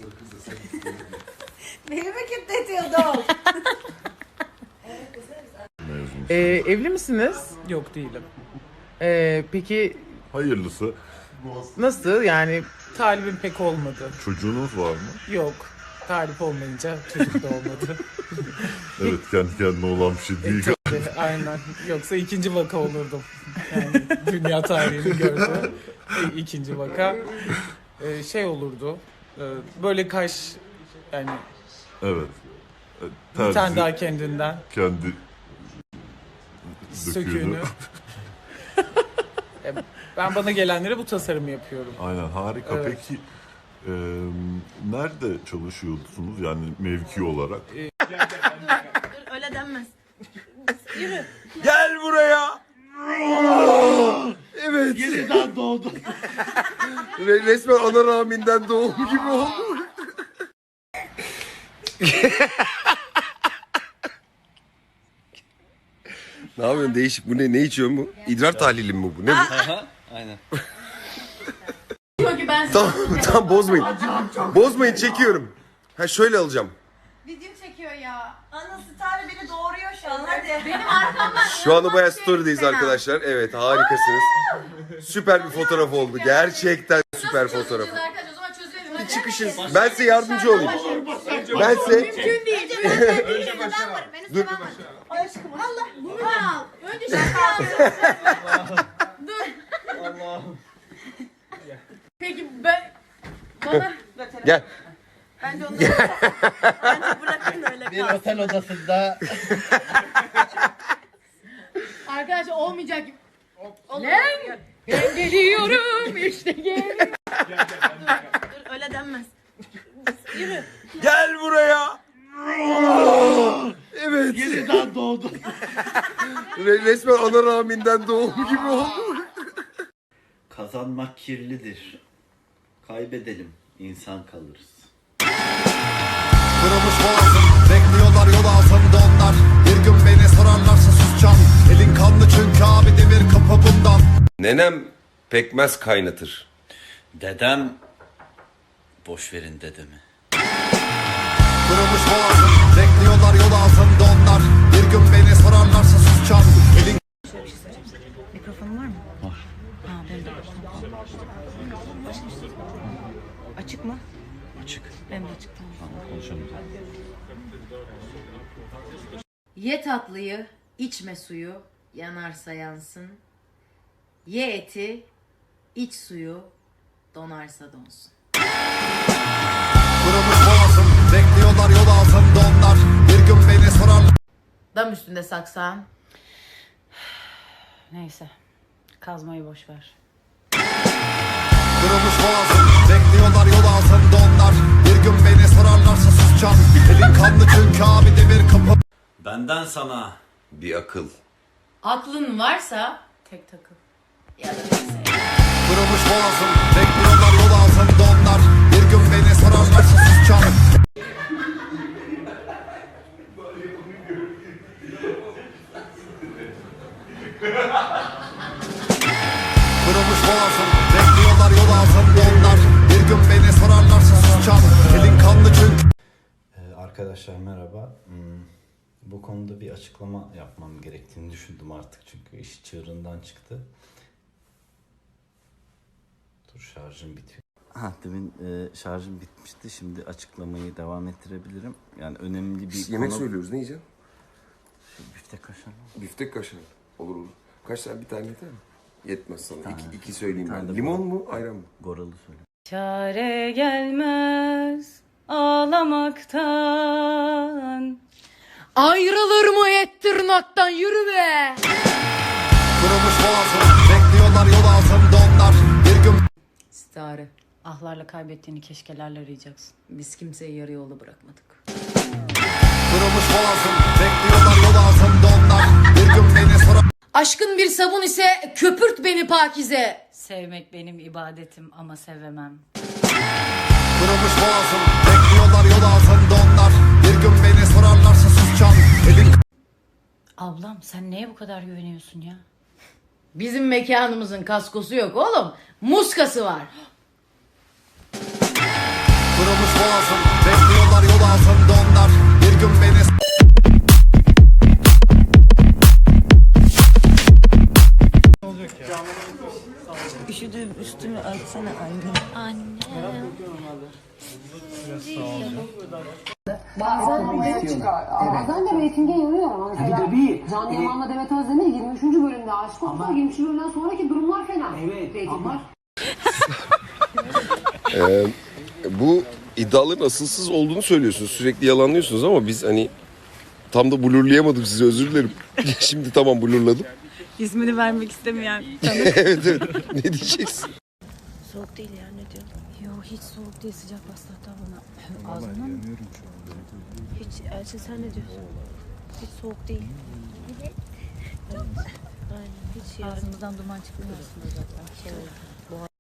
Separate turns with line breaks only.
Beni mi kilitletiyordun?
Evli misiniz?
Yok değilim.
Peki
Hayırlısı.
nasıl yani?
Talibim pek olmadı.
Çocuğunuz var mı?
Yok. Talip olmayınca çocuk da olmadı.
Evet, kendi kendine olan bir şey değil.
Aynen. Yoksa ikinci vaka olurdum. Yani dünya tarihini gördü. İkinci vaka. Şey olurdu. Böyle kaş yani
Evet.
bir tane
Terzi
daha kendinden
kendi
söküğünü. Ben bana gelenlere bu tasarımı yapıyorum.
Aynen, harika.
Evet.
Peki nerede çalışıyorsunuz yani mevki olarak?
Öyle denmez.
Gel buraya. Evet.
Yeniden doğdum.
Resmen ana rahminden doğum gibi oldu. Ne yapıyorsun? Değişik. Bu ne? Ne içiyorsun bu? İdrar tahlili mi bu? Ne bu?
Aynen.
Diyor ki ben
Tamam bozmayın. Bozmayın, çekiyorum. Ha şöyle alacağım.
video çekiyor ya. Anası Tarih beni doğuruyor şu an. Hadi. Benim arkamdan.
Şu anda bayağı story'deyiz arkadaşlar. Evet, harikasınız. Süper bir fotoğraf oldu. Gerçekten süper fotoğraf.
Arkadaşlar o zaman çözelim. Hadi.
Çıkışın. Ben size yardımcı olayım. Ben size...
Mümkün değil. Önce ben varım. En üstte ben varım. Aşkım Allah bunu da al. Önce şaka al. Dur.
Allah'ım.
Peki ben bana
Gel.
bence onu bence bırakın öyle
Bir
kalsın.
otel odasında
Arkadaşlar olmayacak gibi. Ne? Ben geliyorum işte geliyorum. Dur öyle denmez. Yürü.
Gel buraya. Evet.
yeniden doğdum.
Resmen ana rahminden doğum gibi oldu.
Kazanmak kirlidir. Kaybedelim, insan kalırız.
Kırılmış boğazım, bekliyorlar yol altında onlar. Bir gün beni sorarlarsa susacağım. Elin kanlı çünkü abi demir kapı bundan.
Nenem pekmez kaynatır.
Dedem, boş verin dedemi.
Kırılmış boğazım, bekliyorlar yol altında onlar. Bir gün beni sorarlarsa susacağım. Elin
Mikrofonun var mı? Var. Ha benim de var. Açık mı?
Açık.
Benim de açık tamam.
Tamam, konuşalım.
Ye tatlıyı, içme suyu, yanarsa yansın. Ye eti, iç suyu, donarsa donsun.
kırılmış boğazım, bekliyorlar yol altında onlar. Bir gün beni sorarlar.
Dam üstünde saksan.
Neyse. Kazmayı boş ver.
Kırılmış boğazım, bekliyorlar yol altında onlar. Bir gün beni sorarlarsa susacağım. Elin kanlı çünkü abi demir kapı.
Benden sana
Bir akıl.
Aklın varsa tek takıl. Ya da neyse.
Kırılmış boğazım, bekliyorlar yol altında onlar. Bir gün beni sorarlarsa susacağım. Kırılmış boğazım, bekliyorlar yol altında onlar. Bir gün beni sorarlarsa susacağım. Elin kanlı çünkü.
Arkadaşlar merhaba. Bu konuda bir açıklama yapmam gerektiğini düşündüm artık çünkü iş çığırından çıktı. Dur, şarjım bitiyor. Demin şarjım bitmişti. Şimdi açıklamayı devam ettirebilirim. Yani önemli bir
Yemek
konu.
söylüyoruz, ne yiyeceksin?
Biftek kaşarlı.
Biftek kaşar. Olur olur. Kaç tane, bir tane yeter mi? Yetmez sana.
tane.
İki söyleyeyim
Bir tane
ben.
de
Limon
bu.
mu, ayran mı?
Goralı söyle.
Çare gelmez ağlamaktan. Ayrılır mı et tırnaktan, yürü be.
Kırılmış boğazım, bekliyorlar yol altında onlar. Bir gün
Stare.
Ahlarla kaybettiğini keşkelerle arayacaksın.
Biz kimseyi yarı yolda bırakmadık.
kırılmış boğazım, bekliyorlar yol altında onlar. Bir gün beni sorar.
Aşkın bir sabun ise köpürt beni pakize.
Sevmek benim ibadetim ama sevemem.
Kırılmış boğazım, bekliyorlar yol altında onlar. Bir gün beni sorarlarsa susacağım. Elin
Ablam sen neye bu kadar güveniyorsun ya?
Bizim mekanımızın kaskosu yok oğlum. Muskası var.
Kırılmış boğazım, bekliyorlar yol altında onlar. Bir gün beni
Üşüdüm üstümü örtsene anne. Anne.
Bazen de reytinge yarıyor ama mesela Can Yaman'la Demet Özdemir 23. bölümde aşık oldular. 23. bölümden sonraki durumlar fena. Evet. Reytingler.
Bu iddiaların asılsız olduğunu söylüyorsunuz. Sürekli yalanlıyorsunuz ama biz hani tam da blurlayamadım sizi, özür dilerim. Şimdi tamam blurladım.
İsmini vermek istemeyen
Evet evet. Ne diyeceksin?
Soğuk değil ya, ne diyor? Yok hiç soğuk değil, sıcak bastı hatta bana. Ağzından mı? Hiç, Elçin sen ne diyorsun? Hiç soğuk değil. Evet. Aynen hiç ağzımızdan duman çıkmıyor aslında zaten.